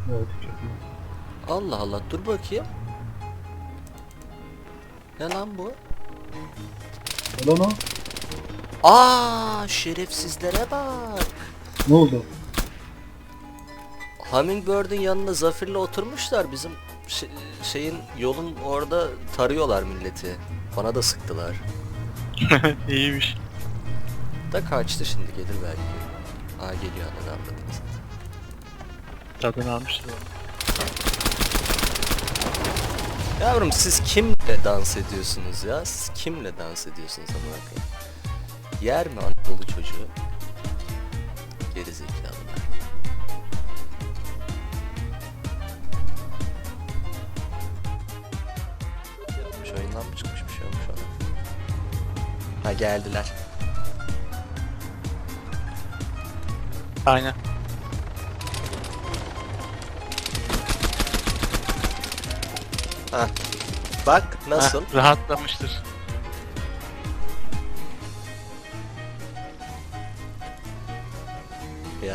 Evet, çekmiyor. Allah Allah, dur bakayım. Ne lan bu? Ulan o. Aa, şerefsizlere bak. Ne oldu? Hummingbird'ün yanına Zafir'le oturmuşlar, bizim şeyin yolun orada tarıyorlar milleti. Bana da sıktılar. İyiymiş. Da kaçtı, şimdi gelir belki. Aa, geliyor, anladın anladınız. Tadını almıştır. Yavrum, siz kimle dans ediyorsunuz ya? Siz kimle dans ediyorsunuz amına koyayım? Yer mi Anadolu çocuğu? Gerizekalılar. Şu oyundan mı çıkmış bir şey olmuş ona? Ha, geldiler. Aynen. Ha. Bak nasıl? Heh, rahatlamıştır. Ya.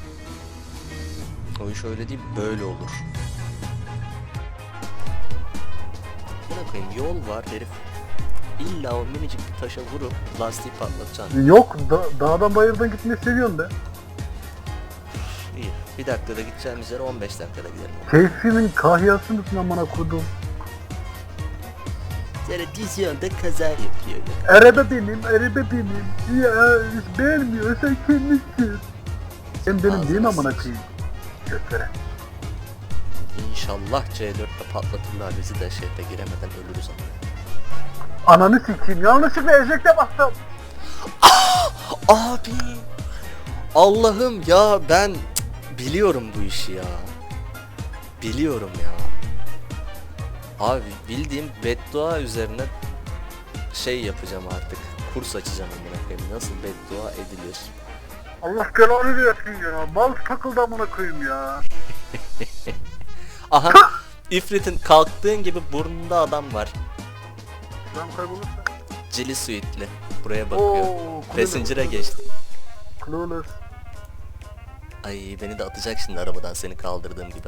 O iş öyle değil, böyle olur. Buna koyayım, yol var herif. İlla o minicik bir taşa vurup lastiği patlatacaksın. Yok, dağdan bayırdan gitmeyi seviyorsun de. İyi. Bir dakikada gideceğimiz yere 15 dakikada gidelim. Keyfimin kahyası mısın amına kodum? Televizyonda kaza yapıyor. Araba benim. Ya hiç beğenmiyor, sen kendinsin. Sen benim değil mi amına koyayım? Göstere. İnşallah C4'te patlatırlar bizi de şeyde giremeden ölürüz ama. Ananı sikeyim, yanlışlıkla ejekte bastım. Abi! Allah'ım ya, ben biliyorum bu işi ya. Biliyorum ya. Abi bildiğim beddua üzerine şey yapacağım artık. Kurs açacağım amına koyayım. Nasıl beddua edilir? Allah belanı versin ya. Mal takıldı amına koyayım ya. Aha! İfrit'in kalktığın gibi burnunda adam var. Ben kaybolursa. Cili suitli. Buraya bakıyor. Oo, Passenger'a geçti. Clueless. Ay, beni de atacak şimdi arabadan seni kaldırdığım gibi.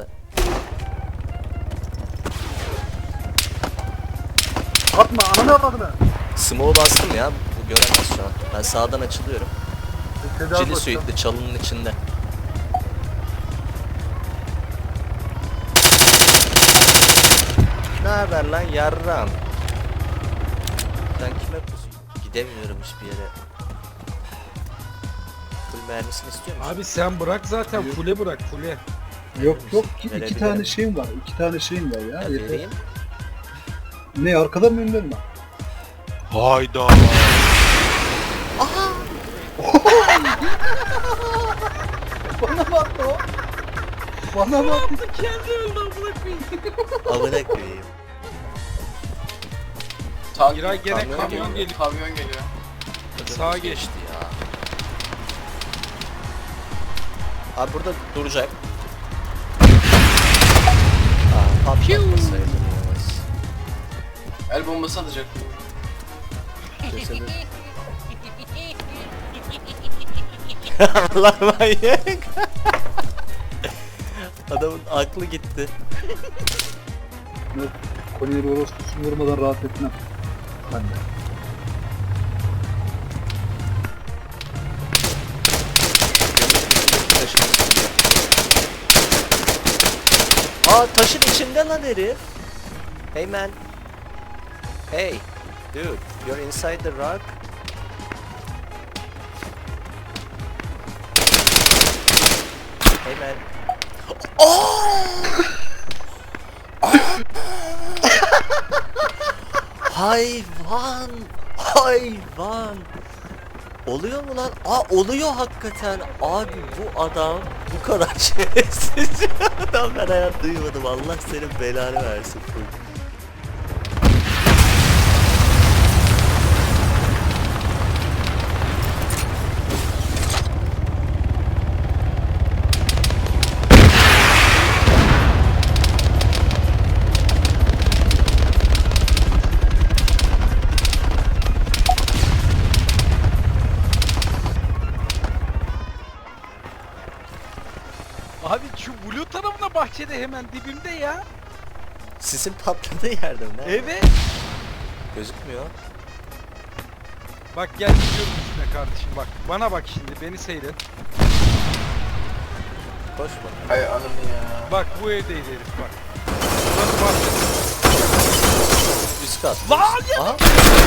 Atma, ananı avradını. Smoke'u bastım ya. Bu göremez şu an. Ben sağdan açılıyorum. Tedavi Cili bakacağım. suitli çalının içinde. Ne haber lan yarram? Ben kime pusu? Gidemiyorum hiçbir yere. Full mermisini istiyor musun? Abi sen bırak zaten fule bırak fule. Yok iki Verebilirim. tane şeyim var. İki tane şeyim var ya. Ya Yeter. vereyim. Ne arkada mı önde mi? Hayda. Bana bak o. Bana bak. Amına koyayım. Giray gene Kamyon kamyon geliyor. geliyor. Kamyon geliyor. Sağa geçti. ya. Abi burada duracak. Aa, patlatmasaydım yalnız. El bombası atacak. Cesedin. Allah manyak. Adamın aklı gitti. Kolyeleri orospusu vurmadan rahat etmem. Ben de. Aa, taşın içinde lan herif. Hey man. Hey. Dude, you're inside the rock. Hey man. Hayvan. Hayvan. Oluyor mu lan? Aa, oluyor hakikaten. Abi bu adam bu kadar şerefsiz bir adam ben hayat duymadım. Allah senin belanı versin. Abi Şu blue tarafına bahçede hemen dibimde ya. Sisin patladığı yerde mi? Nerede? Evet. Gözükmüyor. Bak gel gidiyorum üstüne kardeşim bak. Bana bak şimdi beni seyret. Koş bak. Hay ananı ya. Bak bu evdeydi herif bak. Burası bahçede. Üst kat. Lan ya! Aha.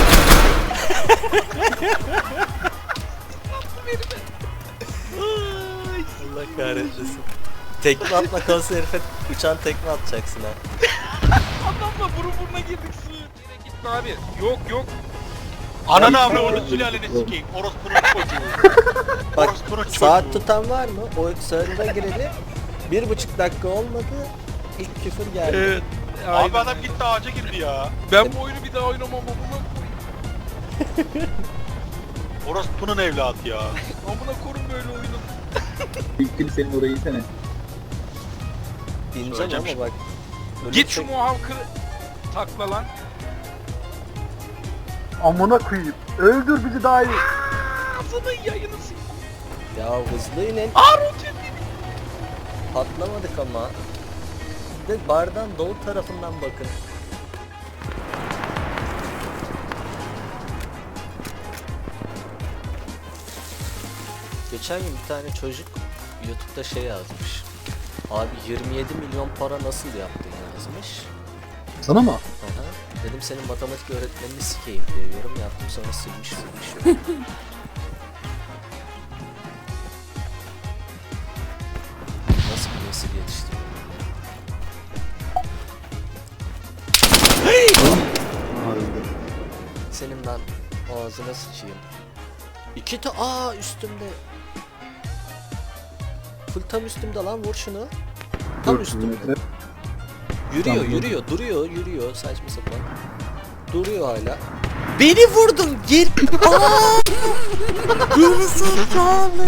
Allah kahretmesin. Tekme atma kalsa herife uçan tekme atacaksın ha. Adamla burun buruna girdik su. Yine gitme abi. Yok yok. Ananı avra onu sülaleni sikeyim. Orospunun çocuğu. Bak Orospunun çocuğu. saat tutan var mı? O server'a gireli 1,5 dakika olmadı. İlk küfür geldi. Evet. Abi Aynen. adam gitti ağaca girdi ya. Ben bu oyunu bir daha oynamam amına koyayım. Orospunun evladı ya. Amına korun böyle oyunu. İlk senin orayı yesene. İneceğim Söyleyeceğim ama bak. Git şu ölürsek- muhavkı takla lan. Amına koyayım. Öldür bizi daha iyi. Ağzının yayını s***. Ya hızlı inin. Roket. Patlamadık ama. Bir de bardan doğu tarafından bakın. Geçen gün bir tane çocuk YouTube'da şey yazmış. Abi 27 milyon para nasıl yaptın yazmış. Sana mı? Aha. Dedim senin matematik öğretmenini sikeyim diye yorum yaptım, sonra silmiş. Nasıl bir nesil yetiştiriyorum ya? Senin ben ağzına sıçayım. Üstümde. Full tam üstümde lan, vur şunu. Tam üstümde. Yürüyor saçma sapan. Duruyor hala. Beni vurdun gir. Aa! Geri zekalı.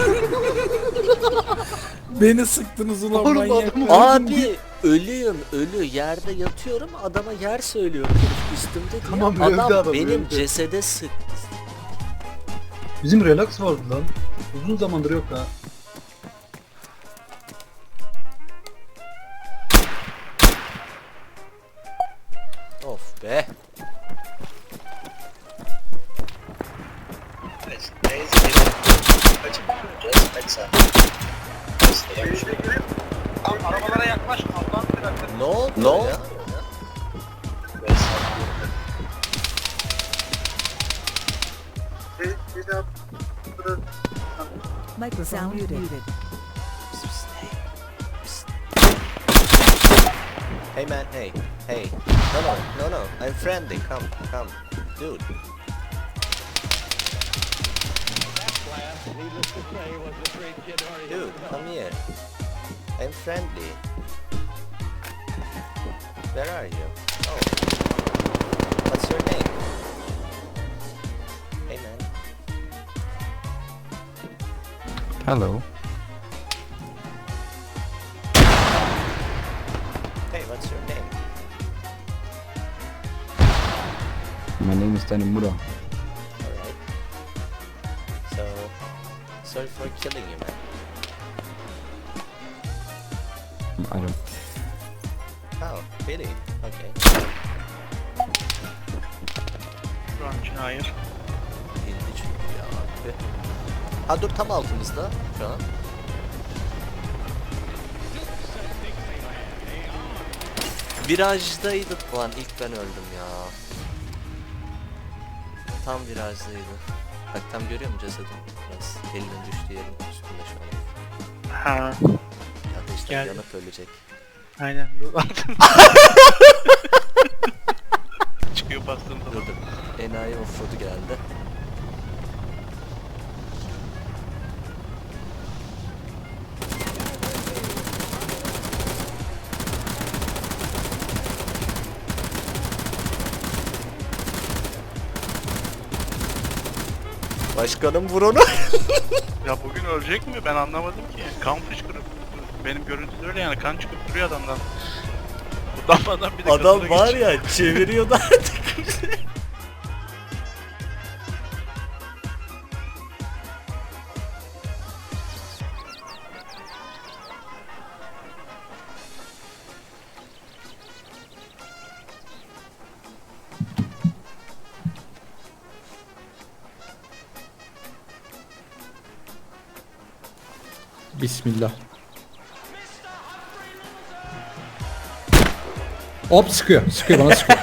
Beni sıktınız ulan manyak. Abi ölü yerde yatıyorum, adama yer söylüyorum üstümde diye. Tamam, öldü Adam adam, benim öldü. cesede sıktı. Bizim relax vardı lan. Uzun zamandır yok ha. Of be. Arabalara yaklaşma. Allah'ım bir dakika. Ne oldu ya? Microphone muted. Hey man, hey. No, I'm friendly, come, dude. Dude, come here. I'm friendly. Where are you? Oh. What's your name? Hey man. Hello. Hey, what's your name? My name is Tanimura. Alright. So, sorry for killing you, man. I don't. Oh, really? Okay. Şu an için hayır. Bildi çünkü ya. Tüh. Ha dur, tam altımızda şu an. Virajdaydık lan, ilk ben öldüm ya. Tam virajdaydı. Bak tam görüyor musun cesedim? Biraz elinin düştüğü yerin üstünde şu an. Ha. Ya da işte Geldi. yanıp ölecek. Aynen. Çıkıyor bastığımda. Dur. Enayi offroad'u geldi. Başkanım vur onu. Ya bugün ölecek mi? Ben anlamadım ki. Kan fışkırıp benim görüntüde öyle yani, kan çıkıp duruyor adamdan. Utanmadan bir de Adam kasına var geçiyor. ya, çeviriyordu artık. Bismillah. Hop sıkıyor. Sıkıyor bana sıkıyor.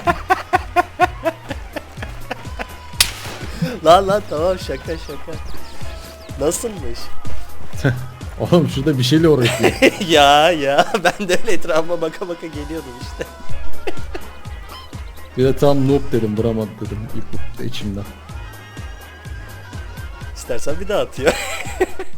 Lan tamam şaka. Nasılmış? Oğlum şurada bir şeyle uğraşıyor. ya ben de öyle etrafıma baka geliyordum işte. Bir de tam noob dedim, vuramadı dedim ilk içimden. İstersen bir daha atıyor.